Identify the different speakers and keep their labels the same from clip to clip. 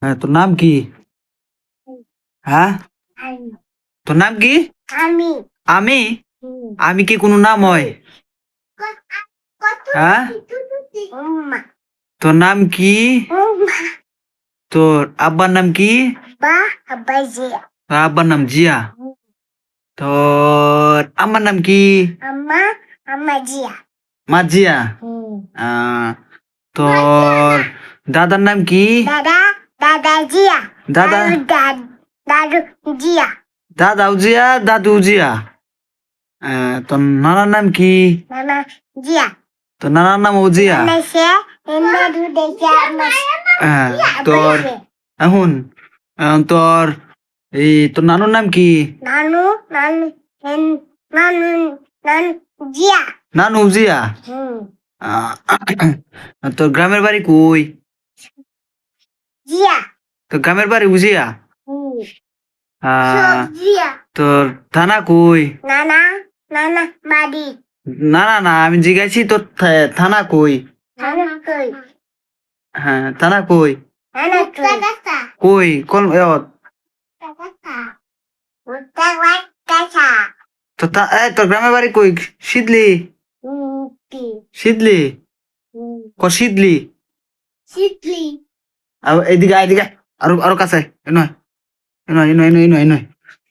Speaker 1: তোর নাম কি? হ্যাঁ, তোর নাম কি?
Speaker 2: আমি
Speaker 1: আমি আমি কি কোনো নাম হয়? হ্যাঁ,
Speaker 2: উম্মা
Speaker 1: তোর নাম কি?
Speaker 2: উম্মা
Speaker 1: তোর আব্বার নাম কি?
Speaker 2: বা আব্বাজিয়া
Speaker 1: তোর আব্বার নাম জিয়া। তোর আম্মার নাম কি?
Speaker 2: আম্মা আম্মাজিয়া
Speaker 1: মাজিয়া। আহ, তোর দাদার নাম কি?
Speaker 2: দাদা দাদাজিয়া
Speaker 1: দাদা
Speaker 2: দাদু জিয়া
Speaker 1: দাদাও জিয়া, দাদু জিয়া। তোর নানার নাম কি?
Speaker 2: নানা জিয়া
Speaker 1: তোর নানার নাম ও জিয়া।
Speaker 2: নানা সে এমনা দু দেখে আমার
Speaker 1: তোর এখন তোর তোর নানুর নাম কি?
Speaker 2: নানু নানু নানু নানু জিয়া
Speaker 1: নানু জিয়া। আহ, তোর গ্রামের বাড়ি কই?
Speaker 2: জিয়া
Speaker 1: তোর গ্রামের বাড়ি উজিয়া।
Speaker 2: সব জিয়া
Speaker 1: তোর থানা কই?
Speaker 2: নানা নানা বাড়ি
Speaker 1: না না না, আমি জিজ্ঞাসি তোর থানা কই?
Speaker 2: নানা কই
Speaker 1: হ্যাঁ, থানা কই?
Speaker 2: নানা কই
Speaker 1: কই কোন তোর গ্রামের বাড়ি কই? শীতলি শীতলি শীতলি।
Speaker 2: শীতলি
Speaker 1: এদিকে এদিকে আরো আরো কাছে নয় নয় নয় নয় নয় নয়।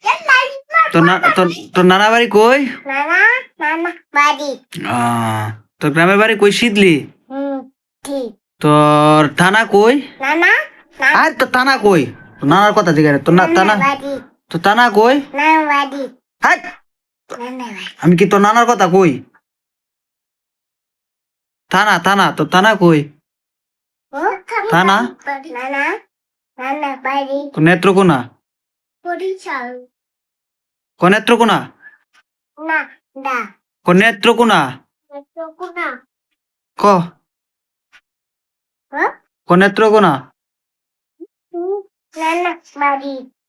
Speaker 1: তোর নানা বাড়ি কই?
Speaker 2: নানা নানা বাড়ি
Speaker 1: তোর গ্রামের বাড়ি কই? শীতলি।
Speaker 2: ঠিক
Speaker 1: তোর থানা কই?
Speaker 2: নানা
Speaker 1: আর তোর থানা কই? তোর নানার কথা জিজ্ঞাসা, তোর না থানা,
Speaker 2: বাড়ি
Speaker 1: তোর থানা কই?
Speaker 2: নানা বাড়ি
Speaker 1: হাট!
Speaker 2: নানা বাড়ি
Speaker 1: আমি কি তোর নানার কথা কই? থানা থানা, তোর থানা কই? থানা
Speaker 2: নানা নানা বাড়ি
Speaker 1: কোন নেত্রকোনা?
Speaker 2: বরিশাল
Speaker 1: কোন নেত্রকোনা?
Speaker 2: না দা
Speaker 1: কোন নেত্রকোনা?
Speaker 2: নেত্রকোনা
Speaker 1: ক
Speaker 2: হ্যাঁ
Speaker 1: কোন নেত্রকোনা?
Speaker 2: নানা বাড়ি